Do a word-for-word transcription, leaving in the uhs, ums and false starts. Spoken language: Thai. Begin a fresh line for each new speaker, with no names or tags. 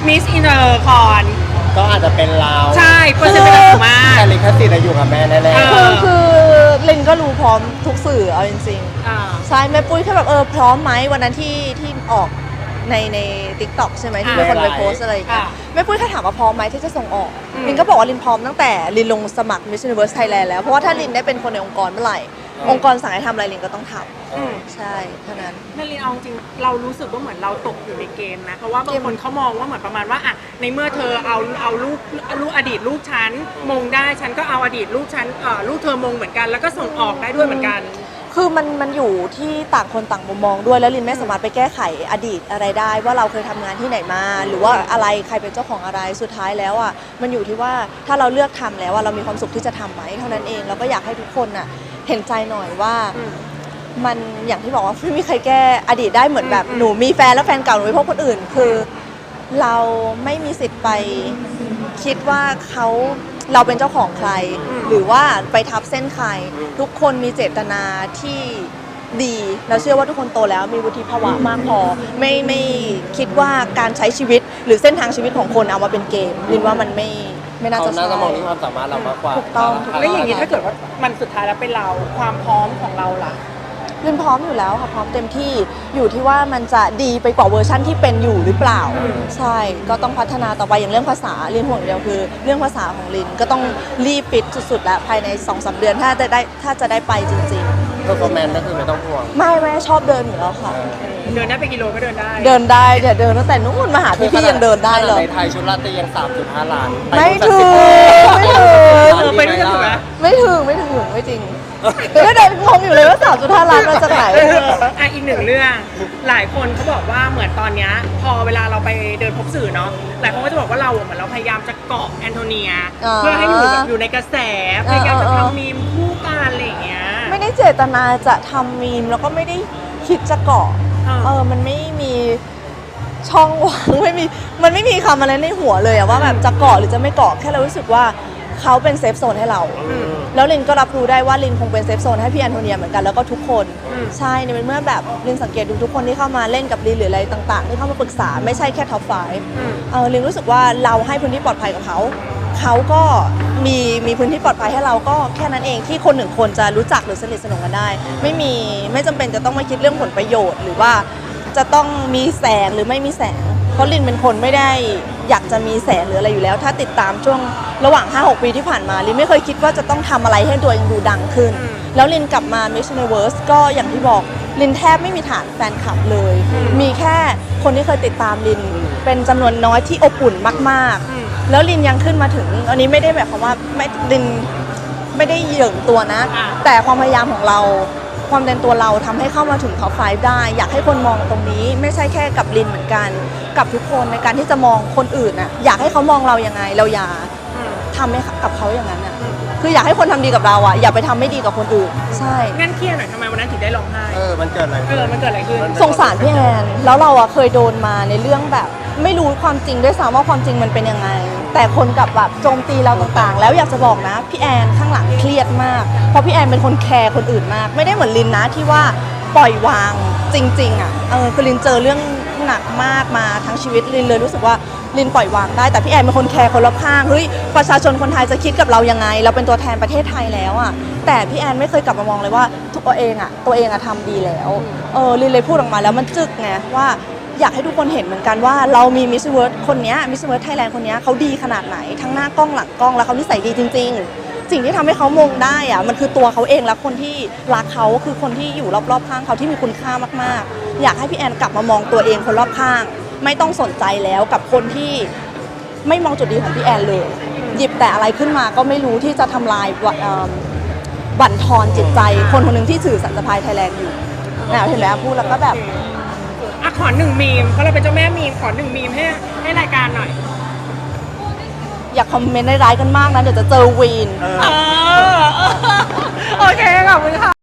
มิสอินเตอร์คอน
ก็อาจจะเป็นเรา
ใช่เปอร์เซ็นต์เป็นเราสูงมาก
แต่ลิขสิทธิ์อยู่กับแม่แน่ๆ
คือคือลินก็รู้พร้อมทุกสื่อเอาจริงๆใช่แม่ปุ้ยแค่แบบเออพร้อมไหมวันนั้นที่ที่ออกในในทิกตอกใช่ไหมที่มีคนไปโพสอะไรอย่างเงี้ยแม่ปุ้ยแค่ถามว่าพร้อมไหมที่จะส่งออกลินก็บอกว่าลินพร้อมตั้งแต่ลินลงสมัคร Miss Universe Thailand แล้วเพราะว่าถ้าลินได้เป็นคนในองค์กรเมื่อไหร่องค์กรสั่งให้ทำอะไรลินก็ต้องทำใช่เท่านั้น
นั่นลินเอาจริงเรารู้สึกว่าเหมือนเราตกอยู่ในเกมนะเพราะว่าบางคนเขามองว่าเหมือนประมาณว่าอ่ะในเมื่อเธอเอาเอาลูกลูกอดีตลูกฉันมงได้ฉันก็เอาอดีตลูกฉันเอ่อลูกเธอมงเหมือนกันแล้วก็ส่งออกได้ด้วยเหมือนกัน
คือมันมันอยู่ที่ต่างคนต่างมุมมองด้วยแล้วลินไม่สามารถไปแก้ไขอดีตอะไรได้ว่าเราเคยทำงานที่ไหนมาหรือว่าอะไรใครเป็นเจ้าของอะไรสุดท้ายแล้วอ่ะมันอยู่ที่ว่าถ้าเราเลือกทำแล้วว่าเรามีความสุขที่จะทำไหมเท่านั้นเองเราก็อยากให้ทุกคนอ่ะเห็นใจหน่อยว่ามันอย่างที่บอกว่าไม่มีใครแก้อดีตได้เหมือนแบบหนูมีแฟนแล้วแฟนเก่าหนูไปพบคนอื่นคือเราไม่มีสิทธิ์ไปคิดว่าเขาเราเป็นเจ้าของใครหรือว่าไปทับเส้นใครทุกคนมีเจตนาที่ดีเราเชื่อว่าทุกคนโตแล้วมีวุฒิภาวะมากพอไม่ไม่คิดว่าการใช้ชีวิตหรือเส้นทางชีวิตของคนเอามาเป็นเกมลินว่ามันไม่ไม่น่าจะใช่
เขาน่าจะมองที่ความสามารถเรามากกว่า
ถูกต้อง
แล้วอย่างนี้ถ้าเกิดว่ามันสุดท้ายแล้วเป็นเราความพร้อมของเราล่ะ
ลินพร้อมอยู่แล้วค่ะพร้อมเต็มที่อยู่ที่ว่ามันจะดีไปกว่าเวอร์ชั่นที่เป็นอยู่หรือเปล่าใช่ก็ต้องพัฒนาต่อไปอย่างเรื่องภาษาลินห่วงเดียวคือเรื่องภาษาของลินก็ต้องรีบปิดสุดๆแล้วภายใน สองสาม เดือนถ้าจะได้ถ้าจะได้ไปจริง
ๆเพอร์ฟอร์แมนซ์ก็คือไม่ต้องห่วง
ไม่ไม่ชอบเดินอยู่แล้วค่ะ
เดินได้ไปกิโลก็เดินได้
เดินได้เนี่ยเดินตั้งแต่นู้นมาหาพี่พี่ยังเดินได้เลย
ในไทยชุดลาตรียัง สามจุดห้า ล้าน
ไม่ถึงไม่ถึง
ไปด้วยกันถูกไหม
ไม่ถึงไม่ถึงไม่จริงก็เดินงงอยู่เลยว่า สามจุดห้า ล้านมาจากไหน
อ่ะอีกหนึ่งเรื่องหลายคนเขาบอกว่าเหมือนตอนนี้พอเวลาเราไปเดินพบสื่อเนาะหลายคนก็จะบอกว่าเราเหมือนเราพยายามจะเกาะแอนโทเนียเพื่อให้อยู่แบบอยู่ในกระแสพยายามจะทำมีมคู่กันอะไรอย่างเงี้ย
ไม่ได้เจตนาจะทำมีมแล้วก็ไม่ได้คิดจะเกาะเออมันไม่มีช่องว่างไม่มีมันไม่มีคำอะไรในหัวเลยอะว่าแบบจะเกาะหรือจะไม่เกาะแค่เรารู้สึกว่าเขาเป็นเซฟโซนให้เราแล้วลินก็รับรู้ได้ว่าลินคงเป็นเซฟโซนให้พี่แอนโทเนียเหมือนกันแล้วก็ทุกคนใช่ในเมื่อแบบลินสังเกตดูทุกคนที่เข้ามาเล่นกับลินหรืออะไรต่างๆที่เข้ามาปรึกษาไม่ใช่แค่ท็อปไฟว์เออลินรู้สึกว่าเราให้พื้นที่ปลอดภัยกับเขาเขาก็มีมีพื้นที่ปลอดภัยให้เราก็แค่นั้นเองที่คนหนึ่งคนจะรู้จักหรือสนิทสนมกันได้ไม่มีไม่จำเป็นจะต้องมาคิดเรื่องผลประโยชน์หรือว่าจะต้องมีแสงหรือไม่มีแสงเพราะลินเป็นคนไม่ได้อยากจะมีแสงหรืออะไรอยู่แล้วถ้าติดตามช่วงระหว่าง ห้าหก ปีที่ผ่านมาลินไม่เคยคิดว่าจะต้องทำอะไรให้ตัวเองดูดังขึ้นแล้วลินกลับมา Miss Universe ก็อย่างที่บอกลินแทบไม่มีฐานแฟนคลับเลยมีแค่คนที่เคยติดตามลินเป็นจำนวนน้อยที่อบอุ่นมากๆแล้วลินยังขึ้นมาถึงอันนี้ไม่ได้แบบว่าไม่ลินไม่ได้เหยิ่งตัวนะแต่ความพยายามของเราความเป็นตัวเราทำให้เข้ามาถึงท็อปไฟว์ได้อยากให้คนมองตรงนี้ไม่ใช่แค่กับลินเหมือนกันกับทุกคนในการที่จะมองคนอื่นน่ะอยากให้เขามองเรายังไงเราอย่าทำให้กับเขาอย่างนั้นน่ะคืออยากให้คนทำดีกับเราอ่ะอย่าไปทำไม่ดีกับคนอื่นใช่
งั้นเครียดหน่อยทำไมวันนั้นถึงได้ร้องไห้
เออมันเกิดอะไร
เออมันเกิดอะไรขึ้น
สงสารพี่แอนแล้วเราอ่ะเคยโดนมาในเรื่องแบบไม่รู้ความจริงด้วยซ้ำว่าความจริงมันเป็นยังไงแต่คนกับแบบโจมตีเราต่างๆแล้วอยากจะบอกนะพี่แอนข้างหลังเครียดมากเพราะพี่แอนเป็นคนแคร์คนอื่นมากไม่ได้เหมือนลินนะที่ว่าปล่อยวางจริงๆอ่ะเออคือลินเจอเรื่องหนักมากมาทั้งชีวิตลินเลยรู้สึกว่าลินปล่อยวางได้แต่พี่แอนเป็นคนแคร์คนรอบข้างเฮ้ยประชาชนคนไทยจะคิดกับเรายังไงเราเป็นตัวแทนประเทศไทยแล้วอ่ะแต่พี่แอนไม่เคยกลับมามองเลยว่าตัวเองอ่ะตัวเองอ่ะทำดีแล้วเออลินเลยพูดออกมาแล้วมันจึกไงว่าอยากให้ทุกคนเห็นเหมือนกันว่าเรามีมิสซิเวิร์ดคนนี้มิสซิเวิร์ดไทยแลนด์คนนี้เขาดีขนาดไหนทั้งหน้ากล้องหลังกล้องแล้วเขานิสัยดีจริงๆสิ่งที่ทำให้เขามงได้อะมันคือตัวเขาเองและคนที่รักเขาคือคนที่อยู่รอบๆข้างเขาที่มีคุณค่ามากๆอยากให้พี่แอนกลับมามองตัวเองคนรอบข้างไม่ต้องสนใจแล้วกับคนที่ไม่มองจุดดีของพี่แอนเลยหยิบแต่อะไรขึ้นมาก็ไม่รู้ที่จะทำลายบั่นทอนจิตใจคนคนหนึ่งที่ถือสัญชาติไทยแลนด์อยู่นะเห็นไหมพูดแล้วก็แบบ
อ่ะขอหนึ่งมีมเพราะเราเป็นเจ้าแม่มีมขอหนึ่งมีมให้ให้รายการหน่อย
อย่าคอมเมนต์ร้ายๆกันมากนะเดี๋ยวจะเจอวีน
โอเคขอบคุณค่ะ